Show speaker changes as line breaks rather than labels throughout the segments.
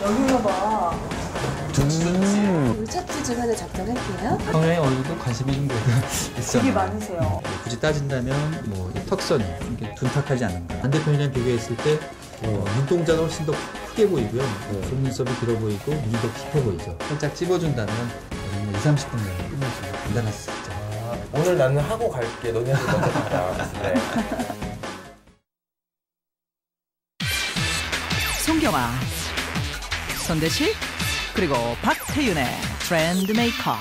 여기가 봐. 의착지 주간에 작성할게요.
형의 얼굴도 관심이 좀 있어요.
되게 많으세요.
굳이 따진다면 뭐 턱선이 이게 둔탁하지 않은가. 반대편이랑 비교했을 때 눈동자가 훨씬 더 크게 보이고요. 속눈썹이 길어 보이고 눈이 더 깊어 보이죠. 살짝 찝어준다면 2, 30분 내에 끝낼 수 있는 간단한 수 있죠.
오늘 나는 하고 갈게. 너네들 먼저 가라. 네.
송경아, 손대식, 그리고 박태윤의 트렌드 메이커.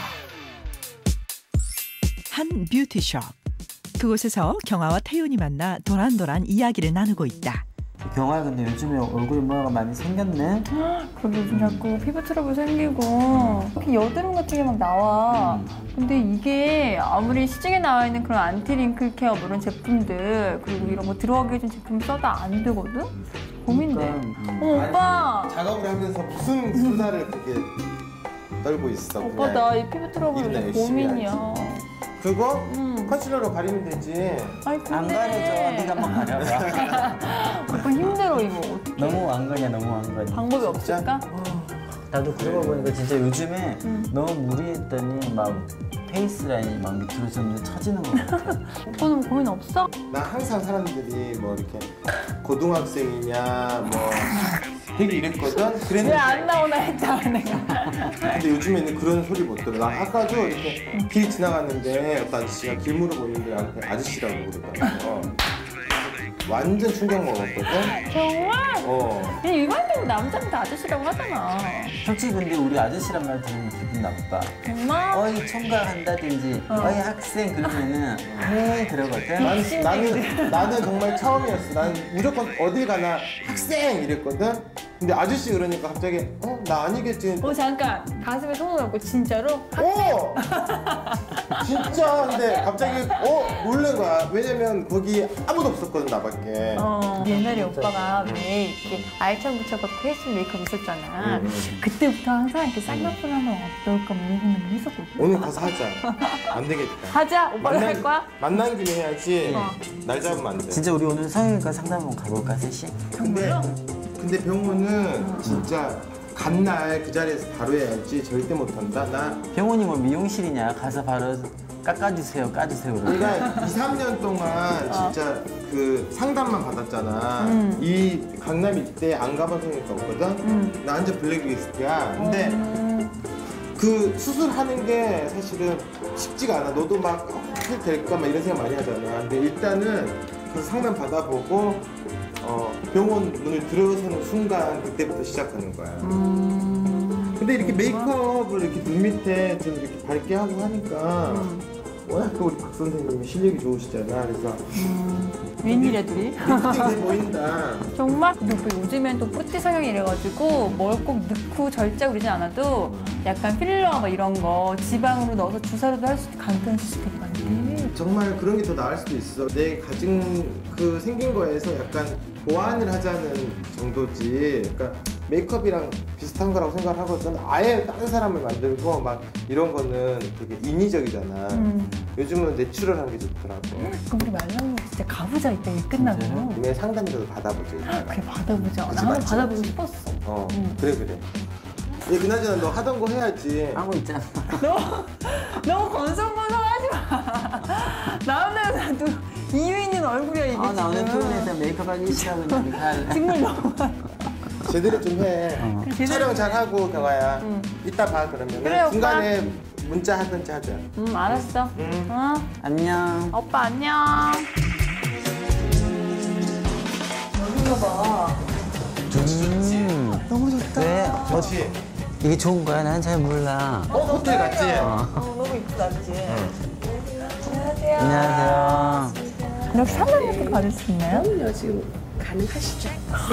한 뷰티숍. 그곳에서 경아와 태윤이 만나 도란도란 이야기를 나누고 있다.
경아야, 근데 요즘에 얼굴에 뭐가 많이 생겼네?
그리고 요즘 자꾸 피부 트러블 생기고 특히 여드름 같은 게 막 나와. 근데 이게 아무리 시중에 나와 있는 그런 안티 링클 케어 뭐 이런 제품들 그리고 이런 거 들어가게 해준 제품 써도 안 되거든? 고민돼. 오빠!
작업을 하면서 무슨 수다를 그렇게 떨고 있어.
오빠 나 이 피부 트러블
일이나
요즘
열심히
고민이야.
그거? 컨실러로 가리면 되지.
아니 근데
안 가려져. 네가 한번 가려봐.
오빠 힘들어 이거 어떡해.
너무 안 가냐, 너무 안 가냐.
방법이 없을까?
나도 그러고 보니까 진짜 요즘에 너무 무리했더니 막 페이스 라인이 막 밑으로 좀 처지는 것 같아.
오빠는 고민 없어?
나 항상 사람들이 뭐 이렇게 고등학생이냐 뭐 되게 이랬거든.
왜
그랬는데
안 나오나 했잖아 내가.
근데 요즘에는 그런 소리 못 들어. 나 아까도 이렇게 길 지나갔는데 어떤 아저씨가 길 물어보는데 나한테 아저씨라고 그러더라고. 완전 충격 먹었거든.
정말? 그냥 일반적으로 남자는 다 아저씨라고 하잖아.
솔직히 근데 우리 아저씨란 말 들으면 기분 나빠.
정말?
어이 총각 한다든지 어이 학생 그러면은 네 그러거든.
나는 정말 처음이었어. 나는 무조건 어딜 가나 학생 이랬거든. 근데 아저씨 그러니까 갑자기 나 아니겠지.
잠깐 가슴에 손을 얹고 진짜로?
진짜. 근데 갑자기 놀란 거야. 왜냐면 거기 아무도 없었거든 나밖에.
옛날에 오빠가 왜 이렇게 알찬 붙여갖고 페이스 메이크업 있었잖아. 그때부터 항상 이렇게 쌍꺼풀 하면 어떨까 뭐 이런 생각을 했었거든.
오늘 가서 하자. 안 되겠다.
하자. 오빠가 할 거야?
만난 김에 해야지. 날 잡으면 안 돼.
진짜 우리 오늘 성형외과 상담 한번 가볼까 셋이?
근데 병원은 진짜 간 날 그 자리에서 바로 해야지. 절대 못 한다. 나
병원이 뭐 미용실이냐? 가서 바로 깎아주세요, 까주세요.
우리가 2, 3년 동안 진짜 그 상담만 받았잖아. 이 강남 이때 안 가본 성형외과 없거든? 나 완전 블랙리스트야. 근데 그 수술하는 게 사실은 쉽지가 않아. 너도 막 어떻게 될까 막 이런 생각 많이 하잖아. 근데 일단은 그 상담 받아보고 병원 문을 들어서는 순간 그때부터 시작하는 거야. 근데 이렇게 메이크업을 이렇게 눈 밑에 좀 이렇게 밝게 하고 하니까 워낙 또 우리 박 선생님이 실력이 좋으시잖아. 그래서
웬일이야 둘이?
돼 보인다.
정말? 근데 오빠 요즘엔 또 뿌띠 성형이 이래가지고 뭘 꼭 넣고 절제 그러지 않아도 약간 필러 뭐 이런 거 지방으로 넣어서 주사로도 할 수 있고 간단한 수술 되게 많대.
정말 그런 게 더 나을 수도 있어. 내 가진 그 생긴 거에서 약간 보완을 하자는 정도지. 그러니까 메이크업이랑 비슷한 거라고 생각을 하거든. 아예 다른 사람을 만들고 막 이런 거는 되게 인위적이잖아. 요즘은 내추럴한 게 좋더라고.
그럼 우리 말랑이 진짜 가보자 이따 일 끝나고.
내 상담이라도 받아보자.
그래 받아보자.
그치,
나 한번
맞지?
받아보고 싶었어.
그래. 얘 그나저나 너 하던 거 해야지.
하고 있잖아.
너무 건성건성하지 마. 나오는 나도 이유 있는 얼굴이야 이게 지금.
나 오늘 피곤해서 메이크업 하기 싫다고 했는데 갈.
정말 너무
제대로 좀 해. 촬영 잘 하고 경아야. 이따 봐 그러면.
그래, 오빠.
중간에 문자 하든지 하자.
알았어.
안녕.
오빠 안녕. 여기가 봐.
너무 좋다. 왜?
좋지?
이게 좋은 거야? 난 잘 몰라.
호텔 갔지?
너무 이쁘다 그치? 안녕하세요.
안녕하세요.
이렇게 상담 같은 거 받을 수 있나요?
그럼요. 지금 가능하시죠?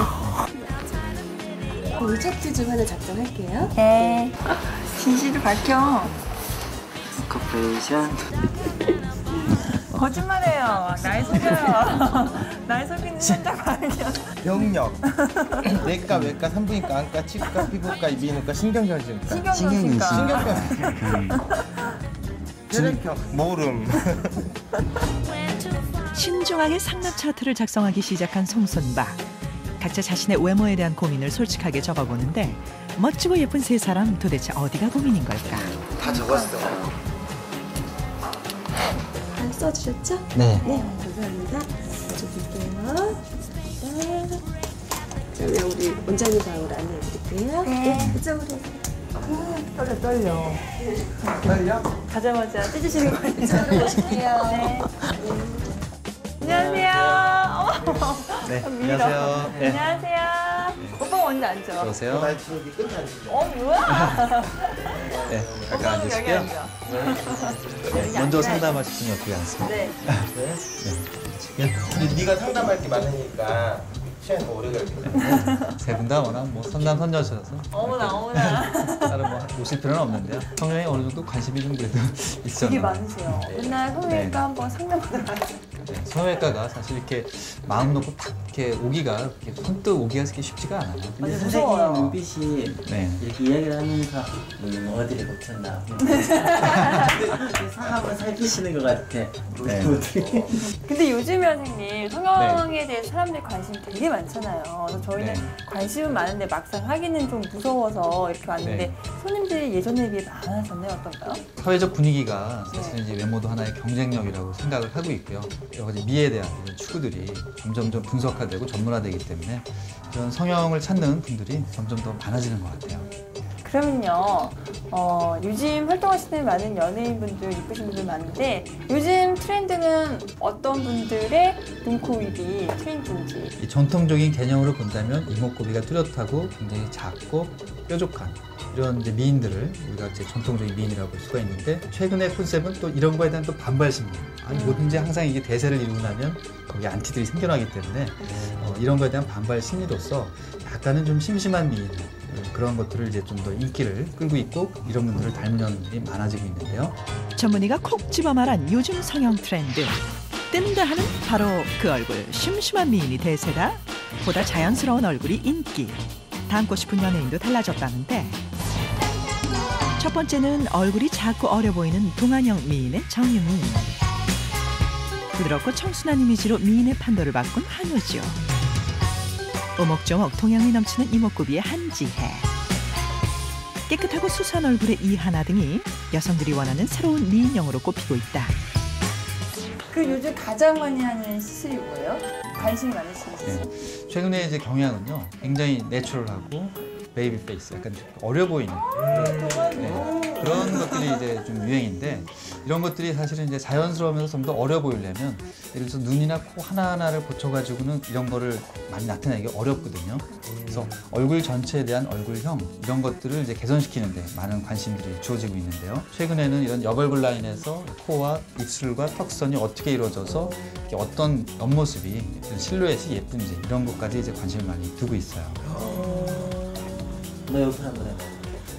네. 의착지 주간에 작성할게요.
네. 진실을 밝혀.
커플레이션.
거짓말해요. 날 속여요. 날 속이는 현장 발견.
병력. 내과, 외과, 산부인과, 안과, 치과, 피부과, 이비인후과, 신경전증과.
신경전증과.
혈액형, 모름.
신중하게 상담 차트를 작성하기 시작한 송선박. 각자 자신의 외모에 대한 고민을 솔직하게 적어보는데 멋지고 예쁜 세 사람 도대체 어디가 고민인 걸까?
다 적었어.
다 써주셨죠?
네.
네, 감사합니다. 써줄게요. 그러면 우리 원장님 방으로 안내해드릴게요.
네.
이쪽으로.
떨려.
가자마자 찢으시는 거 아니에요?
이쪽으로 오실게요.
네. 안녕하세요.
네,
밀어.
안녕하세요. 네.
안녕하세요. 오빠 먼저 앉죠.
들어오세요.
나 지금 여기 끝에 앉으세요.
뭐야?
네,
오빠
잠깐
여기
앉으시고요.
앉아.
네, 먼저 상담하실 분이 어떻게 앉습니다.
네.
네,
근데 네가 상담할 게 많으니까 시간이 더 오래 걸리거든.
세 분 다 워낙 뭐 선남선녀셔서
어머나.
따로 뭐 오실 필요는 없는데요. 성형에 어느 정도 관심이 좀 그래도 있어요.
되게 많으세요. 맨날 성형외과
네.
한번 상담하러 가요.
네, 성형외과가 사실 이렇게 마음 놓고 탁 이렇게 오기가 이렇게 선뜻 오기가 그렇게 쉽지가 않아요.
근데
맞아,
선생님
무서워요.
눈빛이
네.
이렇게 이야기를 하면서 어디를 고쳤나 한번 살피시는 것 같아.
네.
어떻게?
근데 요즘에 선생님 성형에 대해서 사람들이 관심이 되게 많잖아요. 그래서 저희는
네.
관심은 많은데 막상 하기는 좀 무서워서 이렇게 왔는데
네.
손님들이 예전에 비해 많아졌나요? 어떤가요?
사회적 분위기가 사실은 이제 외모도 하나의 경쟁력이라고 생각을 하고 있고요. 여러 가지 미에 대한 이런 추구들이 점점 분석화되고 전문화되기 때문에 이런 성형을 찾는 분들이 점점 더 많아지는 것 같아요.
그러면요, 요즘 활동하시는 많은 연예인분들, 이쁘신 분들 많은데 요즘 트렌드는 어떤 분들의 눈, 코, 입이 트렌드인지.
이 전통적인 개념으로 본다면 이목구비가 뚜렷하고 굉장히 작고 뾰족한 이런 이제 미인들을 우리가 이제 전통적인 미인이라고 볼 수가 있는데 최근의 콘셉트는 또 이런 거에 대한 또 반발 심리. 아니 뭐든지 항상 이게 대세를 이루고 나면 거기 안티들이 생겨나기 때문에 이런 거에 대한 반발 심리로서 약간은 좀 심심한 미인 그런 것들을 이제 좀 더 인기를 끌고 있고 이런 분들을 닮은 연들이 많아지고 있는데요.
전문의가 콕 집어 말한 요즘 성형 트렌드. 뜬다 하는 바로 그 얼굴 심심한 미인이 대세다. 보다 자연스러운 얼굴이 인기. 닮고 싶은 연예인도 달라졌다는데 첫 번째는 얼굴이 작고 어려 보이는 동안형 미인의 정유미. 부드럽고 청순한 이미지로 미인의 판도를 바꾼 한우죠. 오목조목 동양미 넘치는 이목구비의 한지혜. 깨끗하고 수수한 얼굴의 이하나 등이 여성들이 원하는 새로운 미인형으로 꼽히고 있다.
그 요즘 가장 많이 하는 시술이 뭐예요? 관심이 많으신 시술.
네. 최근에 이제 경향은요 굉장히 내추럴하고 베이비 페이스 약간 어려 보이는 그런 것들이 이제 좀 유행인데 이런 것들이 사실은 이제 자연스러우면서 좀 더 어려 보이려면 예를 들어서 눈이나 코 하나하나를 고쳐가지고는 이런 거를 많이 나타내기 어렵거든요. 그래서 얼굴 전체에 대한 얼굴형 이런 것들을 이제 개선시키는데 많은 관심들이 주어지고 있는데요. 최근에는 이런 옆얼굴 라인에서 코와 입술과 턱선이 어떻게 이루어져서 이렇게 어떤 옆모습이 실루엣이 예쁜지 이런 것까지 이제 관심을 많이 두고 있어요.
너 옆에 한번 해봐.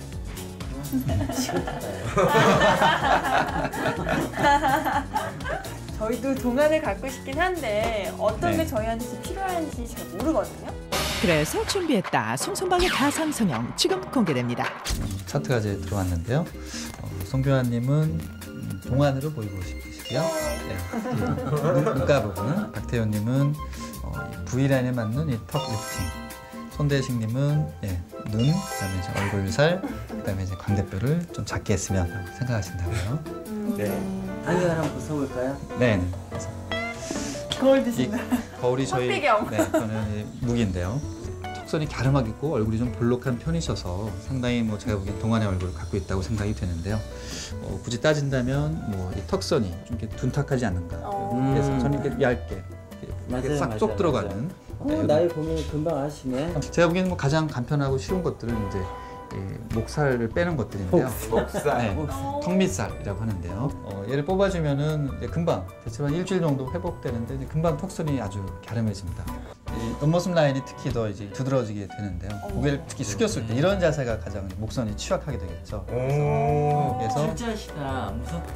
저희도 동안을 갖고 싶긴 한데 어떤
네.
게 저희한테 필요한지 잘 모르거든요.
그래서 준비했다. 송송방의 가상 성형 지금 공개됩니다.
차트가 이제 들어왔는데요. 송교환님은 동안으로 보이고 싶으시고요. 네. 눈가 부분은 박태현님은 V라인에 맞는 이 턱 리프팅. 손대식님은 눈, 그다음에 이제 얼굴살, 그다음에 이제 광대뼈를 좀 작게 했으면 생각하신다고요.
네.
안경을 한번 벗어볼까요?
네.
거울
이
드신다.
거울이 저희
흑배경.
저는 무기인데요. 턱선이 갸름하게 있고 얼굴이 좀 볼록한 편이셔서 상당히 뭐 제가 보기엔 동안의 얼굴을 갖고 있다고 생각이 되는데요. 굳이 따진다면 뭐 이 턱선이 좀 이렇게 둔탁하지 않는가. 그래서 저는 이렇게 얇게 이렇게
맞아요,
싹쏙
맞아요,
들어가는.
나이 보면 금방 아시네.
제가 보기에는 뭐 가장 간편하고 쉬운 것들은 이제 목살을 빼는 것들인데요.
목살.
네, 턱밑살이라고 하는데요. 얘를 뽑아주면은 이제 금방 대체로 한 일주일 정도 회복되는데 이제 금방 턱선이 아주 갸름해집니다. 이 옆모습 라인이 특히 더 이제 두드러지게 되는데요. 고개를 특히 숙였을 때 이런 자세가 가장 목선이 취약하게 되겠죠. 그래서
진짜시다.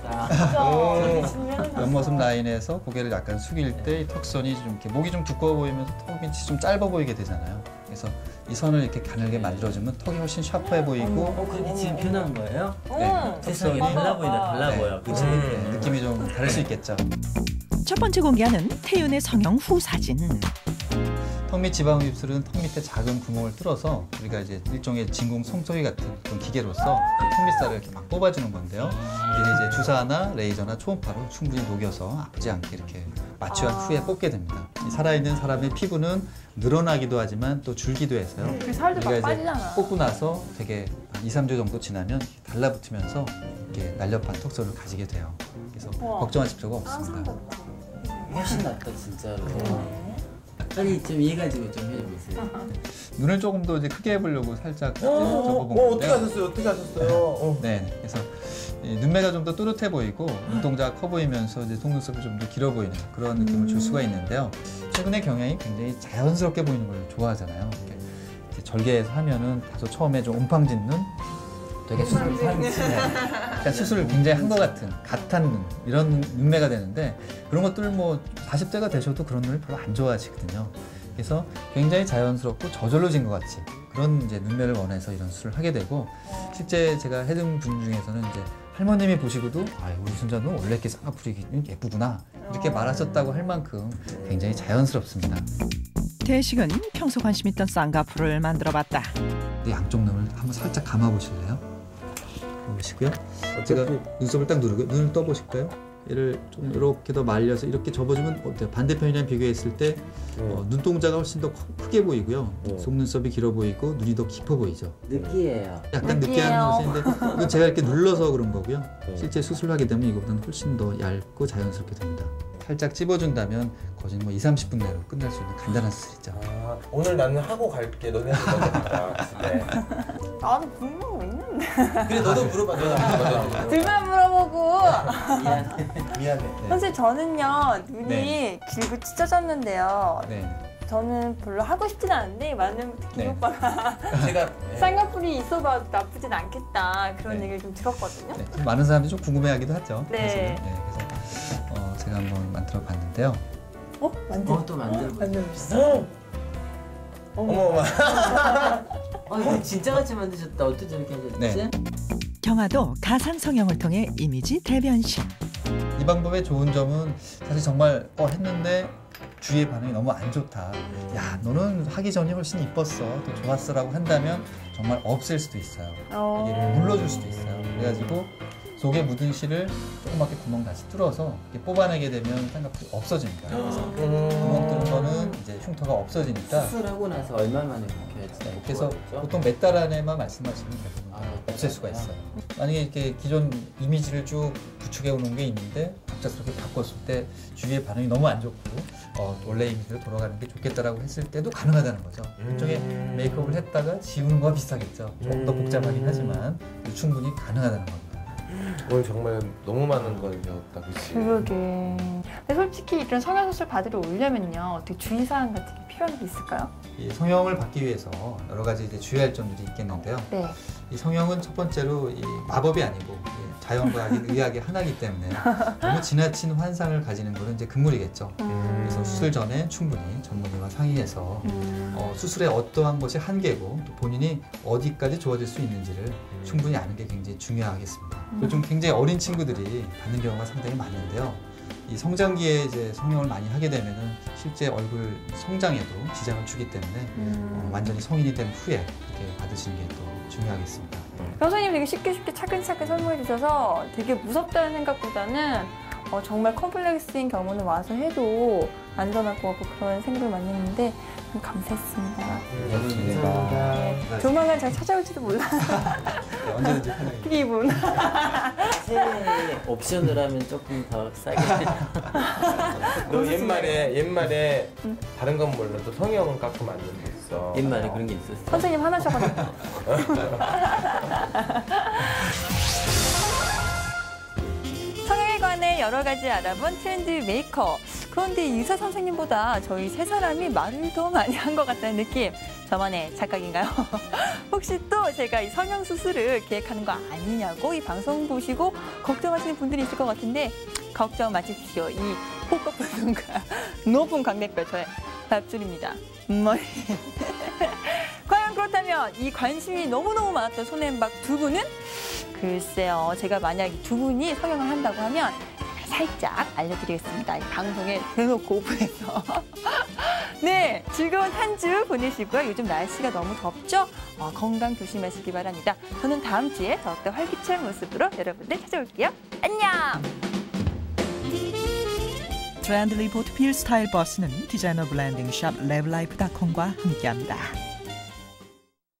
무섭다.
옆모습 라인에서 고개를 약간 숙일 때 이 턱선이 좀 이렇게 목이 좀 두꺼워 보이면서 턱이 좀 짧아 보이게 되잖아요. 그래서 이 선을 이렇게 가늘게 만들어주면 턱이 훨씬 샤프해 보이고
그게 지금 편한 거예요?
네,
세상이
턱선이
달라 보인다. 달라
네.
보여. 그치?
네, 느낌이 좀 다를 수 있겠죠.
첫 번째 공개하는 태윤의 성형 후 사진.
턱 및 지방 흡입술은 턱 밑에 작은 구멍을 뚫어서 우리가 이제 일종의 진공 송소리 같은 그런 기계로서 턱 밑살을 이렇게 막 뽑아주는 건데요. 이게 이제 주사나 레이저나 초음파로 충분히 녹여서 아프지 않게 이렇게 마취한 후에 뽑게 됩니다. 이 살아있는 사람의 피부는 늘어나기도 하지만 또 줄기도 해서요.
그 살도 막
우리가
빠지잖아.
이제 뽑고 나서 되게 2, 3주 정도 지나면 달라붙으면서 이렇게 날렵한 턱선을 가지게 돼요. 그래서
우와.
걱정하실 필요가 없습니다.
훨씬 낫다 진짜로. 빨리 좀 이해가지고 좀 해보세요.
눈을 조금 더 이제 크게 해보려고 살짝 이제
어떻게
접어본 건데요.
하셨어요? 어떻게 하셨어요?
네, 그래서 이 눈매가 좀 더 또렷해 보이고 눈동자가 커 보이면서 이제 속눈썹이 좀 더 길어 보이는 그런 느낌을 줄 수가 있는데요. 최근에 경향이 굉장히 자연스럽게 보이는 걸 좋아하잖아요. 이렇게 이제 절개해서 하면은 다소 처음에 좀 옴팡진 눈, 되게 수술을 굉장히 한 것 같은 갓한 눈 이런 눈매가 되는데 그런 것들 뭐 40대가 되셔도 그런 눈을 별로 안 좋아하시거든요. 그래서 굉장히 자연스럽고 저절로진 것 같이 그런 이제 눈매를 원해서 이런 수술을 하게 되고 실제 제가 해둔 분 중에서는 이제 할머님이 보시고도 아 우리 손자는 원래 이렇게 쌍꺼풀이 예쁘구나 이렇게 말하셨다고 할 만큼 굉장히 자연스럽습니다.
대식은 평소 관심 있던 쌍꺼풀을 만들어봤다.
양쪽 눈을 한번 살짝 감아 보실래요? 보시고요. 제가 눈썹을 딱 누르고 눈을 떠 보실까요? 얘를 좀 이렇게 더 말려서 이렇게 접어주면 어때요? 반대편이랑 비교했을 때 눈동자가 훨씬 더 크게 보이고요. 속눈썹이 길어 보이고 눈이 더 깊어 보이죠.
느끼해요.
약간 느끼한 모습인데 이건 제가 이렇게 눌러서 그런 거고요. 실제 수술하게 되면 이거보다는 훨씬 더 얇고 자연스럽게 됩니다. 살짝 찝어준다면 거진 뭐 2, 30분 내로 끝날 수 있는 간단한 수술이죠.
아, 오늘 나는 하고 갈게. 너네한테 먼저 가라. 집에.
나도 궁금한 거 있는데.
그래 너도 물어봐. 너도
둘만 물어보고.
미안해.
선생님 저는요 눈이
네.
길고 찢어졌는데요.
네.
저는 별로 하고 싶진 않은데 많은 김
네.
오빠가
제가
쌍꺼풀이 있어봐도 나쁘진 않겠다 그런
네.
얘기를 좀 들었거든요.
네, 좀 많은 사람들이 좀 궁금해하기도 하죠.
네.
사실은. 그래서 제가 한번 만들어봤는데요.
또 만들어.
어머.
이거 진짜 같이 만드셨다. 어떻게 저렇게 하셨지?
네.
경아도 가상 성형을 통해 이미지 대변신.
이 방법의 좋은 점은 사실 정말 했는데 주위의 반응이 너무 안 좋다. 야 너는 하기 전이 훨씬 이뻤어. 또 좋았어라고 한다면 정말 없앨 수도 있어요. 이게 물러줄 수도 있어요. 그래가지고 속에 묻은 실을 조그맣게 구멍 다시 뚫어서 이렇게 뽑아내게 되면 쌍꺼풀이 없어집니다. 그래서 구멍 뚫은 거는 이제 흉터가 없어지니까.
수술하고 나서 얼마 만에 바뀌어야지?
그래서 보통 몇 달 안에만 말씀하시면 대부분 없앨 수가 있어요. 만약에 이렇게 기존 이미지를 쭉 구축해 오는 게 있는데 갑작스럽게 바꿨을 때 주위의 반응이 너무 안 좋고 원래 이미지로 돌아가는 게 좋겠다라고 했을 때도 가능하다는 거죠. 일종의 메이크업을 했다가 지우는 거와 비슷하겠죠. 조금 더 복잡하긴 하지만 충분히 가능하다는 겁니다.
오늘 정말 너무 많은 걸 배웠다, 그치?
그러게. 근데 솔직히 이런 성형수술 받으러 오려면요 어떻게 주의사항 같은 게 필요한 게 있을까요?
이 성형을 받기 위해서 여러 가지 이제 주의할 점들이 있겠는데요.
네.
이 성형은 첫 번째로 이 마법이 아니고 자연과 의학의 하나이기 때문에 너무 지나친 환상을 가지는 것은 이제 금물이겠죠. 그래서 수술 전에 충분히 전문의와 상의해서 수술의 어떠한 것이 한계고 또 본인이 어디까지 좋아질 수 있는지를 충분히 아는 게 굉장히 중요하겠습니다. 그리고 좀 굉장히 어린 친구들이 받는 경우가 상당히 많은데요. 이 성장기에 이제 성형을 많이 하게 되면은 실제 얼굴 성장에도 지장을 주기 때문에 완전히 성인이 된 후에 이렇게 받으시는 게 또 중요하겠습니다.
선생님 되게 쉽게 차근차근 설명해 주셔서 되게 무섭다는 생각보다는 정말 컴플렉스인 경우는 와서 해도 안전할 것 같고 그런 생각을 많이 했는데 좀 감사했습니다.
감사합니다.
조만간 잘 찾아올지도 몰라.
네, 언제든지 편하게.
피부분.
새 옵션을 하면 조금 더 싸게.
너 옛말에 다른 건 몰라도 성형은 깎으면 안 된다 했어.
옛말에 그런 게 있었어.
선생님 화나셔가지고. 성형에 관해 여러 가지 알아본 트렌드 메이커. 그런데 의사 선생님보다 저희 세 사람이 말을 더 많이 한 것 같다는 느낌. 저만의 착각인가요? 혹시 또 제가 이 성형 수술을 계획하는 거 아니냐고 이 방송 보시고 걱정하시는 분들이 있을 것 같은데 걱정 마십시오. 이 호흡 분과 높은 광대뼈 저의 밥줄입니다. 머리. 과연 그렇다면 이 관심이 너무너무 많았던 손앤박 두 분은? 글쎄요. 제가 만약 이 두 분이 성형을 한다고 하면 살짝 알려드리겠습니다. 이 방송에 대놓고 오픈해서. 네, 즐거운 한 주 보내시고요. 요즘 날씨가 너무 덥죠? 건강 조심하시기 바랍니다. 저는 다음 주에 더욱더 활기찬 모습으로 여러분들 찾아올게요. 안녕!
트렌드 리포트 필 스타일 버스는 디자이너 블렌딩 샵 랩라이프닷컴과 함께합니다.